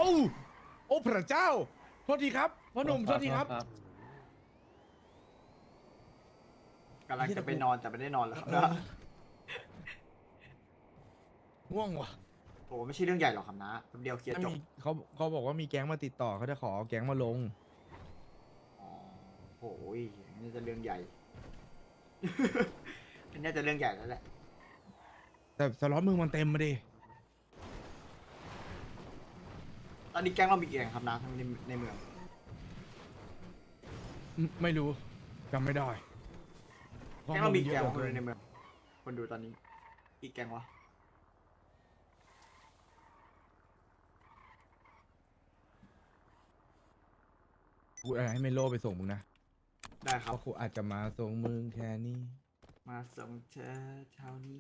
โอ้พระเจ้าโทษทีครับพ่อหนุ่มโทษทีครับกำลังจะไปนอนแต่ไม่ได้นอนแล้วครับเอนะอง่วงว่ะโอ้ไม่ใช่เรื่องใหญ่หรอกครับนะแป๊บเดียวเคลียร์จบถ้ามีเขาบอกว่ามีแก๊งมาติดต่อเขาจะขอเอาแก๊งมาลงอ๋อโอ้ยนี่จะเรื่องใหญ่ อันนี้จะเรื่องใหญ่แล้วแหละแต่สล็อตมึงมันเต็มมาดิตอนนี้แก๊งเรามีกี่แก๊งครับนะทั้งในเมืองไม่รู้จำไม่ได้แก๊งเรามีเยแก๊งอะคนเกินในเมือง คนดูตอนนี้กี่แก๊งวะกูอะไรให้เมโลไปส่งมึงนะได้คเพรับราะกูอาจจะมาส่งมึงแค่นี้มาส่งเธอเช้านี้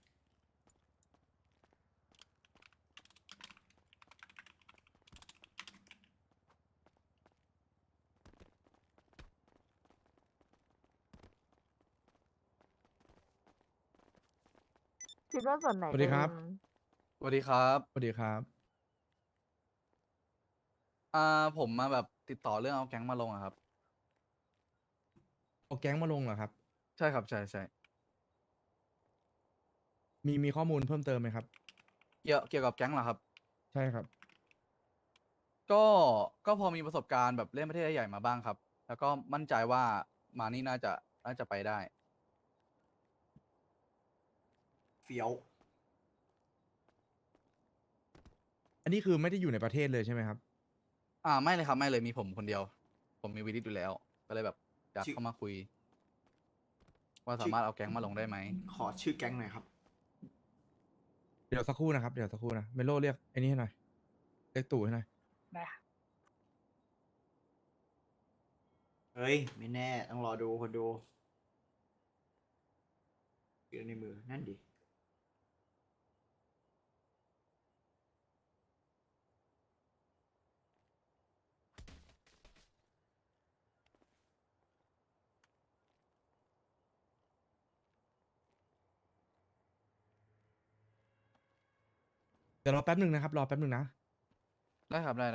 คิดว่าส่วนไหนสวัสดีครับเป็นสวัสดีครับสวัสดีครับผมมาแบบติดต่อเรื่องเอาแก๊งมาลงอะครับเอาแก๊งมาลงเหรอครับใช่ครับ ใช่ใช่มีข้อมูลเพิ่มเติมไหมครับเกี่ยวกับแก๊งเหรอครับใช่ครับก็พอมีประสบการณ์แบบเล่นประเทศใหญ่ๆมาบ้างครับ แล้วก็มั่นใจว่ามานี่น่าจะไปได้เฟี้ยวอันนี้คือไม่ได้อยู่ในประเทศเลยใช่ไหมครับไม่เลยครับ ไม่เลยมีผมคนเดียว ผมมีวิลิตอยู่แล้ว ก็เลยแบบอยากชื่อเข้ามาคุย ว่าสามารถเอาแก๊งมาลงได้ไหมขอชื่อแก๊งหน่อยครับเดี๋ยวสักครู่นะครับ เดี๋ยวสักครู่นะ เมโลเรียกไอ้นี่ให้หน่อย เรียกตู่ให้หน่อยได้ค่ะเฮ้ย ไม่แน่ ต้องรอดูคนดูอยู่ในมือ นั่นดิเดี๋ยวรอแป๊บหนึ่งนะครับ รอแป๊บหนึ่งนะได้ครับ ได้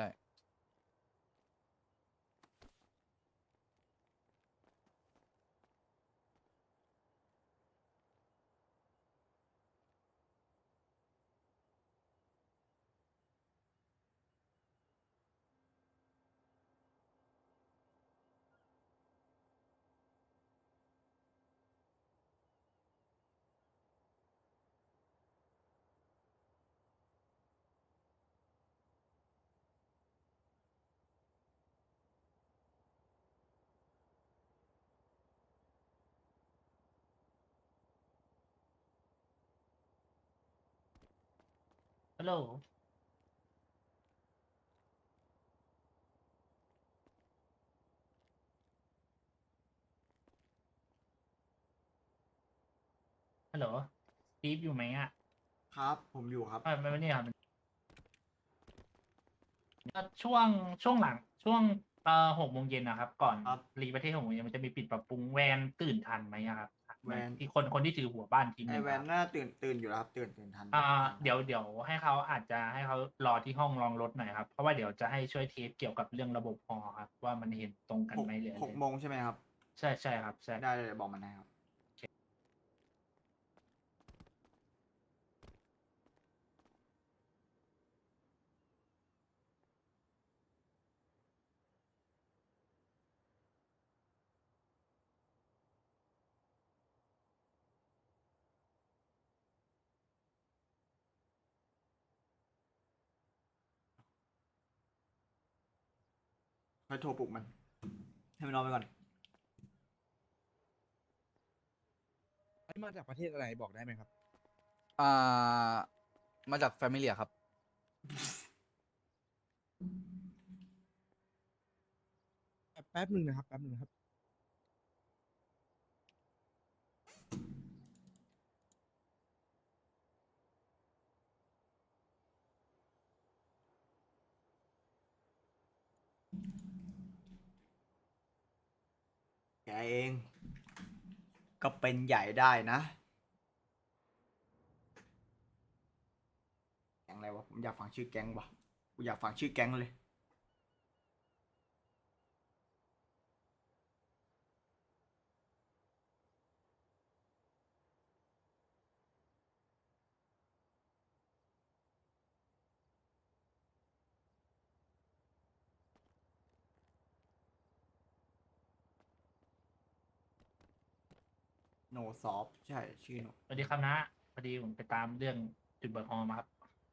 ฮัลโหลฮัลโหลสตีฟอยู่ไหมอ่ะครับ ผมอยู่ครับไม่เนี่ยครับก็ช่วงหลังช่วง6 โมงเย็นนะครับ ก่อนครับรีประเทศ6 โมงเย็นมันจะมีปิดปรับปรุงแวนตื่นทันไหมอะครับแวนที่คนที่ถือหัวบ้านทีมไอนึงแวนน่าตื่นอยู่แล้วครับ ตื่นทันเดี๋ยวให้เขาอาจจะให้เขารอที่ห้องรองรถหน่อยครับ เพราะว่าเดี๋ยวจะให้ช่วยเทสเกี่ยวกับเรื่องระบบฮอครับ ว่ามันเห็นตรงกันหกไหมหรืออะไร 6 โมงใช่ไหมครับใช่ครับใช่ได้เลยบอกมันนะครับ ค่อยโทรปลุกมัน ให้มันนอนไปก่อนอันนี้มาจากประเทศอะไรบอกได้ไหมครับอ่า มาจากแฟมิเลียครับแป๊บหนึ่งนะครับ แป๊บหนึ่งนะครับแกเอง ก็เป็นใหญ่ได้นะ แก๊งอะไรวะ ผมอยากฟังชื่อแก๊งวะกูอยากฟังชื่อแก๊งเลยโนซอฟใช่ชื่อโนสวัสดีครับนะพอดีผมไปตามเรื่องจุดเบิกฮอมาครับ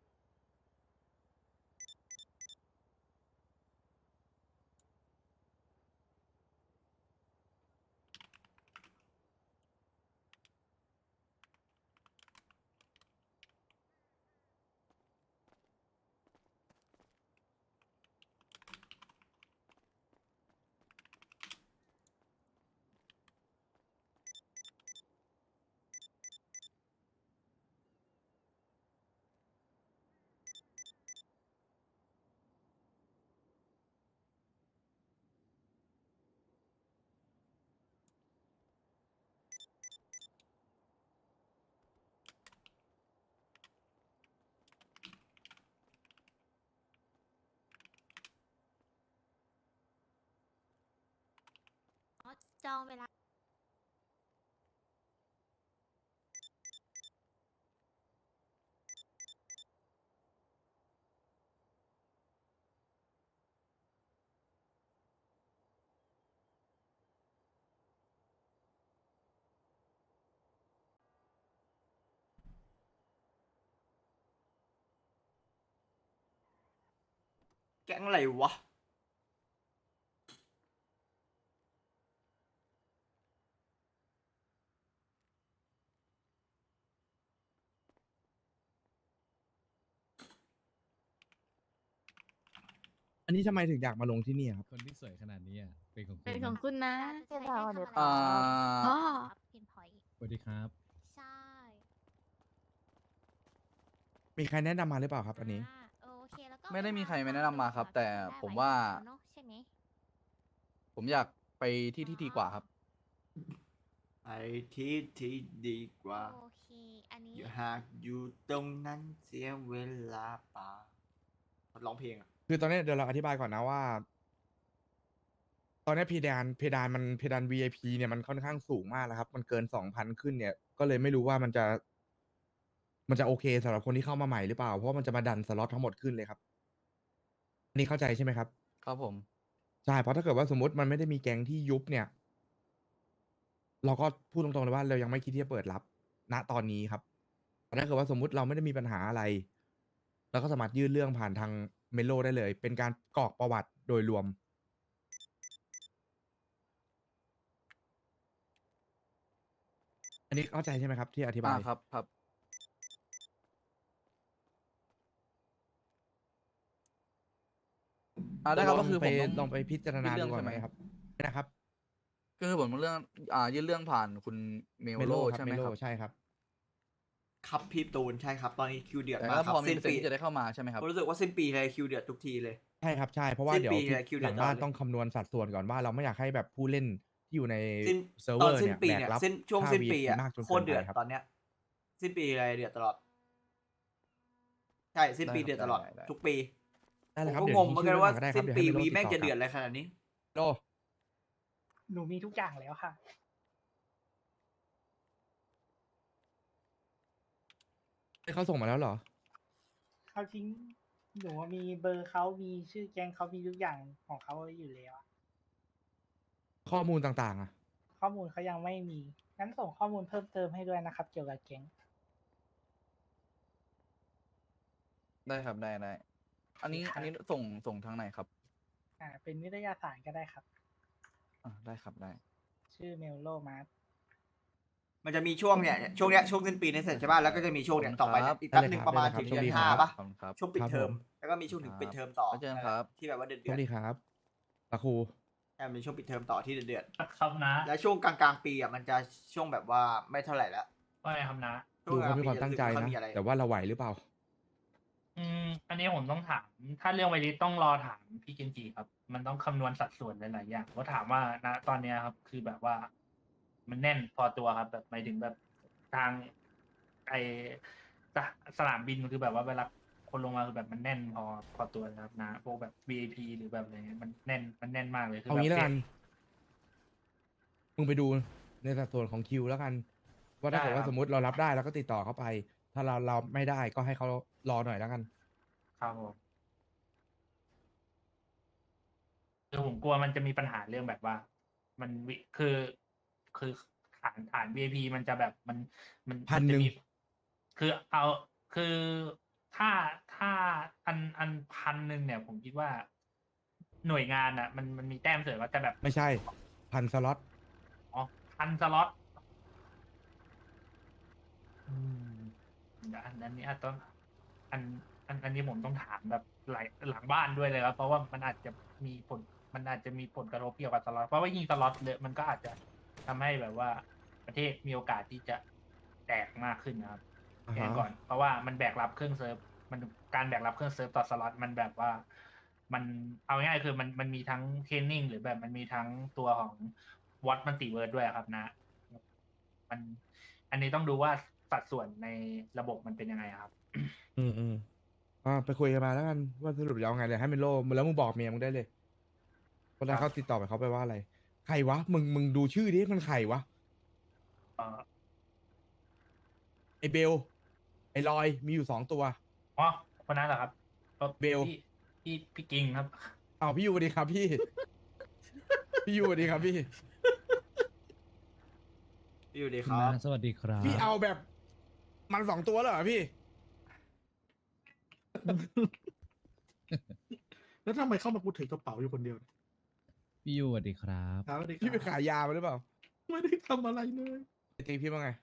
จองเวลาแก๊งอะไรวะอันนี้ทำไมถึงอยากมาลงที่นี่ครับคนที่สวยขนาดนี้อ่ะเป็นของคุเป็นณของนะคุณนะเส้นทางวันนี้อ่าอ๋อพินพอยสวัสดีครับใช่มีใครแนะนำมาหรือเปล่าครับ อันนี้โอเคแล้วก็ไม่ได้มีใครมาแนะนำมาครับเวลแต่ได้ผมไว่าเนอะใช่ไหมผมอยากไปที่ที่ดีกว่าครับไอที่ที่ดีกว่าโอเค อันนี้อยู่หากอยู่ตรงนั้นเสียเวลาเปล่าร้องเพลงอ่ะคือตอนนี้เดี๋ยวเราอธิบายก่อนนะว่า ตอนนี้เพดาน VIP เนี่ยมันค่อนข้างสูงมากแล้วครับ มันเกิน 2,000 ขึ้นเนี่ย ก็เลยไม่รู้ว่ามันจะโอเคสำหรับคนที่เข้ามาใหม่หรือเปล่า เพราะว่ามันจะมาดันสล็อตทั้งหมดขึ้นเลยครับอันนี้เข้าใจใช่ไหมครับครับผมใช่ เพราะถ้าเกิดว่าสมมติมันไม่ได้มีแก๊งที่ยุบเนี่ย เราก็พูดตรงๆเลยว่าเรายังไม่คิดที่จะเปิดรับ ณ ตอนนี้ครับแต่ถ้าเกิดว่าสมมุติเราไม่ได้มีปัญหาอะไรเราก็สามารถยื่นเรื่องผ่านทางเมโลได้เลย เป็นการกรอกประวัติโดยรวม อันนี้เข้าใจใช่ไหมครับ ที่อธิบายครับครับ ได้ครับก็คือผมต้องลองไปพิจารณายื่นเรื่ดูองก่อนใช่ไหมนะครับนะครับก็คือผมเรื่องยื่นเรื่องผ่านคุณเมลโลครัใช่ไหมเมโลครับใช่ครับครับพี่ตูนใช่ครับ ตอนนี้คิวเดือดแต่มากก็ครัพบอมีสิ้นเปอร์เซ็นปีต์ที่จะได้เข้ามาใช่ไหมครับผมรู้สึกว่าสิ้นปีเลยคิวเดือดทุกทีเลยใช่ครับใช่เพราะว่าสิ้นเดี๋ยวปีเนี่ยคิวหเดือลัดงบ้านตลอดเลยต้องคำนวณสัดส่วนก่อนว่าเราไม่อยากให้แบบผู้เล่นที่อยู่ในสิ้นเซิร์ฟตเวออน ร์สิ้นเนี่ยปีแบกเนี่ยรับช่วงค่าสิ้นปี VIP อ่ะมากจนโคเกิตรนเดือไปดครับตอนเนี้ย สิ้นปีอะไรเดือดตลอด ใช่สิ้นปีได้ครับเดือดตลอดได้ทุกปีได้เลยผครับมก็เดี๋ยวงงเหมือนกันว่าก็ได้ครัสิ้บนเดี๋ยวปีให้เมโลวีติดแม่งต่อจะกเดือลัดบอะไรขนาดนี้โลหนูมีทุกอย่างแล้วค่ะเขาส่งมาแล้วเหรอเขาทิ้งหนูว่ามีเบอร์เขามีชื่อแก๊งเขามีทุกอย่างของเขาอยู่แล้วอะข้อมูลต่างๆอ่ะข้อมูลเขายังไม่มี งั้นส่งข้อมูลเพิ่มเติมให้ด้วยนะครับ เกี่ยวกับแก๊งได้ครับได้ได้อันนี้ครับอันนี้ส่งทางไหนครับเป็นวิทยาศาสตร์ก็ได้ครับได้ครับได้ชื่อเมลโลมาร์มันจะมีช่วงเนี่ยช่วงเนี้ยช่วงสิ้นปีในยเสร็จใช่ป่ะแล้วก็จะมีช่วงเนี่ยต่อไปเนี่ยอีกแป๊บหนึ่งประมาณถึงได้เดืเลยอนครับ 5ป่ะขอบคุณครับช่วงปิดครับเทอมผมแล้วก็มีช่วงถึงปิดเทอมต่อแล้วเจอกันครับที่แบบว่าเดือดสวัสดีครับตะครูใช่มีช่วงปิดเทอมต่อที่เดือดครับนะแล้วช่วงกลางๆปีอ่ะมันจะช่วงแบบว่าไม่เท่าไหร่แล้วว่าไงครับนะดูเขามีความตั้งใจช่วกกลนะๆปีจรู้สึกไม่ค่อยมีอะไรแต่ว่าเราไหวหรือเปล่าอันนี้ผมต้องถาม ถ้าเรื่องไวริสต้องรอถามพี่เกนจิครับ มันต้องคำนวณสัดส่วนหลายๆอย่างว่าถามว่านะตอนเนี้ยครับ คือแบบว่า มันแน่นพอตัวครับ แบบหมายถึงแบบทางไอสนามบินคือแบบว่าเวลาคนลงมาคือแบบมันแน่นพอตัวนะครับนะพวกแบบ VIP หรือแบบอะไรเงี้ยมันแน่นมากเลยคือเอาแบบงี้แล้วกัน มึงไปดูในสัดส่วนของคิวแล้วกัน ว่าถ้าเกิดว่าสมมติเรารับได้เราก็ติดต่อเขาไป ถ้าเราไม่ได้ก็ให้เขารอหน่อยแล้วกันครับผมคือผมกลัวมันจะมีปัญหาเรื่องแบบว่า มันคือฐาน VIP มันจะแบบมันพันจะหนึ่งมีคือเอาคือถ้าอัน1,000เนี่ย ผมคิดว่า หน่วยงานอ่ะ มันมีแต้มเสริมว่าจะแบบไม่ใช่1,000 สล็อตอ๋อ1,000 สล็อตอืมเดี๋ยวอันนี้อาจต้องอันนี้ผมต้องถามแบบหลังบ้านด้วยเลยครับเพราะว่ามันอาจจะมีผลกระทบเกี่ยวกับสล็อตเพราะว่ายิงสล็อตเลยมันก็อาจจะทำให้แบบว่าประเทศมีโอกาสที่จะแตกมากขึ้นนะครับอ่าฮะแจ้งก่อนเพราะว่ามันแบกรับเครื่องเซิร์ฟมันการแบกรับเครื่องเซิร์ฟต่อสล็อตมันแบบว่า มันเอาง่ายๆคือมันมีทั้งเทรนนิ่งหรือแบบมันมีทั้งตัวของวอตมันติเวิร์ดด้วยครับนะ มันอันนี้ต้องดูว่าสัดส่วนในระบบมันเป็นยังไงครับอืมไปคุยกันมาแล้วกันว่าสรุปจะเอาไงเลยให้เมโลแล้วมึงบอกเมียมึงได้เลยเพราะนั้นครับเขาติดต่อไปเขาไปว่าอะไร ใครวะ มึงดูชื่อดิมันใครวะเอ่อไอเบล ไอลอย มีอยู่2 ตัวอ๋อคนนั้นเหรอครับก็เบลพี่กิงครับอ้าวพี่ยูสวัสดีครับพี่ พี่ยูสวัสดีครับพี่อยู่ดีคุคณรับน้าสวัสดีครับพี่เอาแบบมัน2 ตัวเลยเหรอพี่แล้วทำไมเข้ามากูถือกระเป๋าอยู่คนเดียวเนี่ยพี่ยูสวัสดีครับครับสวัสดีคพี่ไปรับขายยามาหรือเปล่าไม่ได้ทำอะไรเลยไอตีพี่ว่าไง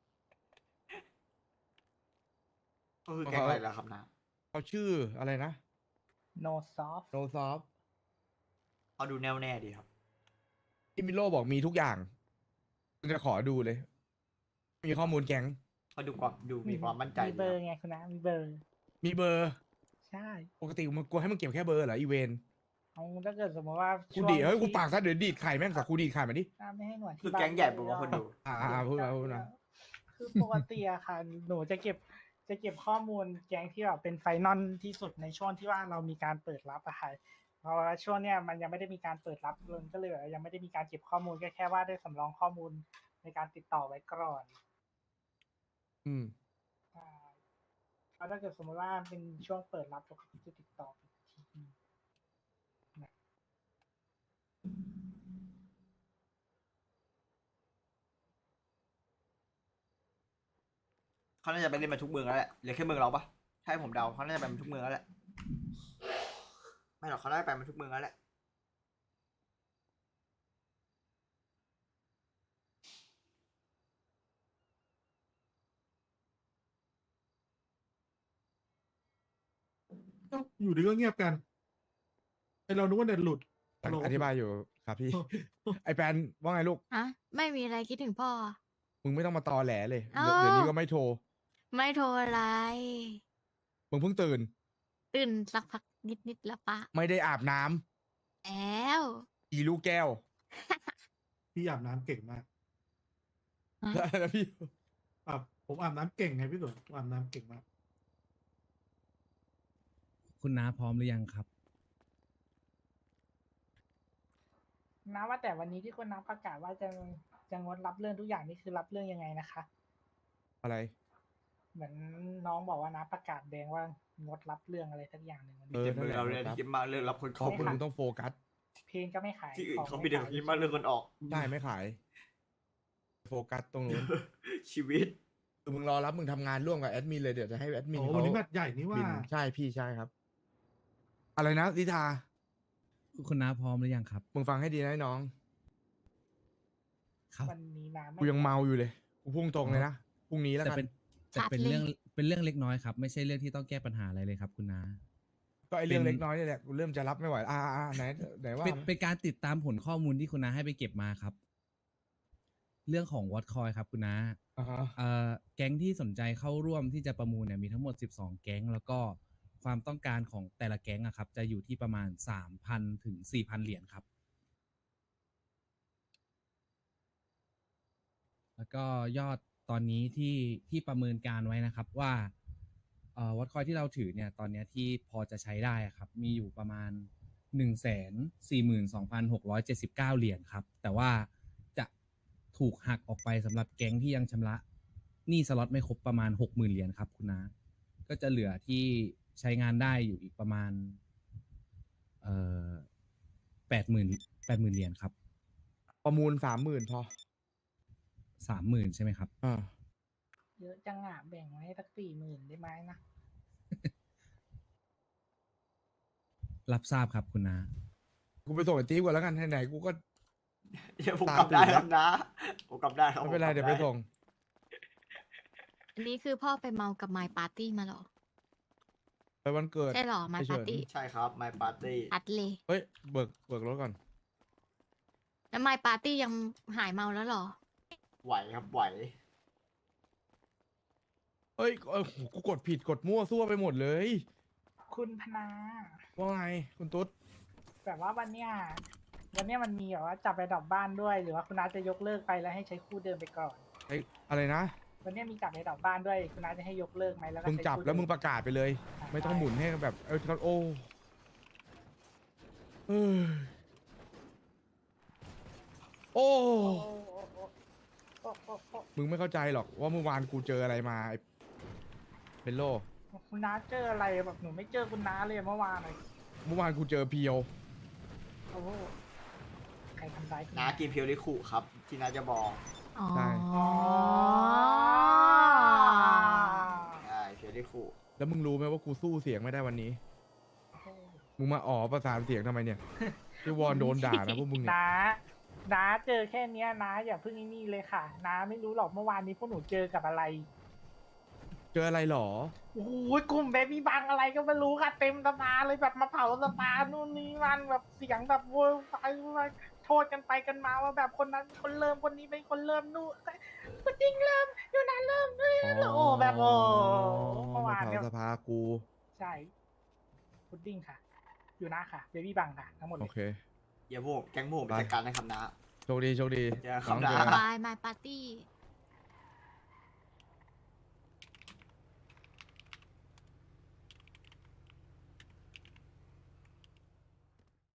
ก็คือแกงอะไรล่ะครับนะเขาชื่ออะไรนะ no soft No Soft เขาดูแน่วแน่ดีครับที่มิโลบอกมีทุกอย่างจะขอดูเลย มีข้อมูลแก๊งเขาดูมีความมั่นใจมีดีเบอคร์รับไงคุณนะมีเบอร์มีเบอร์ใช่ปกติมึงกลัวให้มึงเก็บแค่เบอร์เหรออีเวนเอาถ้าเกิดสมมติว่ากูดีดเฮ้ยกูปากซะเดี๋ยวดีดไข่แม่งสักกูดีดไข่มาดิไม่ให้หน่วยที่คือแก๊งใหญ่ผมว่าคนดูพูดมาพูดมาคือปกติอะค่ะ หนูจะเก็บข้อมูลแก๊งที่แบบเป็นไฟนอลที่สุดในช่วงที่ว่าเรามีการเปิดรับอะค่ะเพราะว่าช่วงเนี้ยมันยังไม่ได้มีการเปิดรับเลยก็เลยแบบยังไม่ได้มีการเก็บข้อมูลแค่ว่าได้สำรองข้อมูลในการติดต่อไว้ก่อนอืมใช่แล้วถ้าเกิดสมมติว่าเป็นช่วงเปิดรับเราก็จะติดต่ออีกทีหนึ่งเขาน่าจะไปเล่นมาทุกเมืองแล้วแหละเหลือแค่เมืองเราปะถ้าให้ผมเดาเขาน่าจะไปมาทุกเมืองแล้วแหละ ไม่หรอกเขาน่าจะไปมาทุกเมืองแล้วแหละเอ้าอยู่ดีก็เงียบกันไอเรานึกว่าเน็ตหลุดฮัลโหลอธิบายอยู่ครับพี่ ไอแปนว่าไงลูกอะไม่มีอะไรคิดถึงพ่อมึงไม่ต้องมาตอแหลเลยอ้าวเดี๋ยวนี้ก็ไม่โทรไม่โทรอะไรมึงเพิ่งตื่นตื่นสักพักนิดแล้วปะไม่ได้อาบน้ำแล้วอีลูกแก้วพี่อาบน้ำเก่งมากแล้วพี่ผมอาบน้ำเก่งไงพี่ตุ๋นผมอาบน้ำเก่งมากคุณน้าพร้อมหรือยังครับนะว่าแต่วันนี้ที่คุณน้ำประกาศว่าจะงดรับเรื่องทุกอย่างนี่คือรับเรื่องยังไงนะคะอะไรเหมือนน้องบอกว่านะประกาศแดงว่างดรับเรื่องอะไรสักอย่างหนึ่งวันมีนี้แต่เมืองเราเลยที่คิดมากเรื่องรับคนขเข้าอบคุณมึงต้องโฟกัสเพลงก็ไม่ขายที่อื่นของเขามีแต่ขายคิดมากเรื่องคนออกได้ไม่ขาย โฟกัสตรงนู้นชีวิตคือมึงรอรับมึงทำงานร่วมกับแอดมินเลยเดี๋ยวจะให้แอดมินโอ้เขาวันนี้แมตช์ใหญ่นี่ว่าบินใช่พี่ใช่ครับ อะไรนะลิทาคุณน้าพร้อมหรือยังครับมึงฟังให้ดีนะไอ้น้องครับวันนี้นะไม่กูยังเมาอยู่เลย กูพุ่งตรงเลยนะพรุ่งนี้แล้วแต่กันเป็นชัดเลยเป็นเรื่องเล็กน้อยครับ ไม่ใช่เรื่องที่ต้องแก้ปัญหาอะไรเลยครับคุณน้าก็ไอเรื่องเป็นเล็กน้อยนี่แหละกูเริ่มจะรับไม่ไหวไหนว่าเป็นการติดตามผลข้อมูลที่คุณน้าให้ไปเก็บมาครับ เรื่องของวอตคอยครับคุณน้าอ่าฮะแก๊งที่สนใจเข้าร่วมที่จะประมูลเนี่ยมีทั้งหมด 12 แก๊ง แล้วก็ความต้องการของแต่ละแก๊งอะครับ จะอยู่ที่ประมาณ 3,000 ถึง 4,000 เหรียญครับ แล้วก็ยอดตอนนี้ที่ประเมินการไว้นะครับว่าวัดคอยที่เราถือเนี่ยตอนเนี้ยที่พอจะใช้ได้อะครับ มีอยู่ประมาณ 142,679 เหรียญครับ แต่ว่าจะถูกหักออกไปสำหรับแก๊งที่ยังชำระหนี้สล็อตไม่ครบประมาณ 60,000 เหรียญครับคุณน้าก็จะเหลือที่ใช้งานได้อยู่อีกประมาณ80,000 เหรียญครับประมูล30,000พอ 30,000 ใช่ไหมครับเยอะจังอ่ะแบ่งไว้ให้สัก40,000ได้ไหมนะรับทราบครับคุณน้ากูไปส่งไอ้ติ๊กก่อนแล้วกันไหนๆกูก็เดี๋ยวผมตามกลับได้ตื่นครับนะผมกลับได้ครับไม่เป็นไรผกลับเดี๋ยวไปส่งอันนี้คือพ่อไปเมากับ My Party มาเหรอไปวันเกิดใช่เหรอ My ไอ้เฉิน Party ใช่ครับ My Party อัดเลยเฮ้ยเบิกรถก่อนแล้ว My Party ยังหายเมาแล้วเหรอไหวครับไหวเฮ้ยกูกดผิดกดมั่วซั่วไปหมดเลยคุณพนาว่าไงคุณตุ๊ดแบบว่าวันเนี้ยมันมีแบบว่าจับไปดอกบ้านด้วย หรือว่าคุณน้าจะยกเลิกไปแล้วให้ใช้คู่เดิมไปก่อนไอ้อะไรนะวันเนี้ยมีจับไปดอกบ้านด้วยคุณน้าจะให้ยกเลิกไหมแล้วก็มึงใช้จับคู่แล้วเดิมึงประกาศไปเลย ไม่ต้องหมุนให้แบบโอ้เอ้ยโอ้โอ้โอ้โอ้โอ้โอ้โอ้โอ้มึงไม่เข้าใจหรอกว่าเมื่อวานกูเจออะไรมาไอ้เป็นโลคุณน้าเจออะไรแบบหนูไม่เจอคุณน้าเลยเมื่อวานเลยเมื่อวานกูเจอเพียวโอ้โหใครทำร้ายคุณน้ากินเพียวริคุครับ ที่น้าจะบอกอ๋อใช่อ๋อใช่เพียวริคุแล้วมึงรู้ไหมว่ากูสู้เสียงไม่ได้วันนี้ มึงมาประสานเสียงทำไมเนี่ยพี่วอนโดนด่านะพวกมึงเนี่ยน้าเจอแค่เนี้ยน้าอย่าเพิ่งไอ้นี่เลยค่ะน้าไม่รู้หรอกเมื่อวานนี้พวกหนูเจอกับอะไรเจออะไรหรอโอ้โหกลุ่มเบบี้บังอะไรก็ไม่รู้ค่ะ เต็มสภาเลยแบบมาเผาสภานู่นนี่มันแบบเสียงแบบโวยวายโทษกันไปกันมาว่าแบบคนนั้นคนเริ่มคนนี้เป็นคนเริ่มนู่นคุณจริงเริ่มอยู่นานเริ่มด้วยโอ้แบบโอ้เมื่อวานเผาเนี่ยสภากูใช่พุดดิ้งค่ะ อยู่นะค่ะเบบี้บังค่ะทั้งหมดเลโอย เคอย่าพวกแก๊งพวกผมไปไปจัดการนะครับนะโชคดีเจอกันครับน้องนะเจอกัน Bye My Party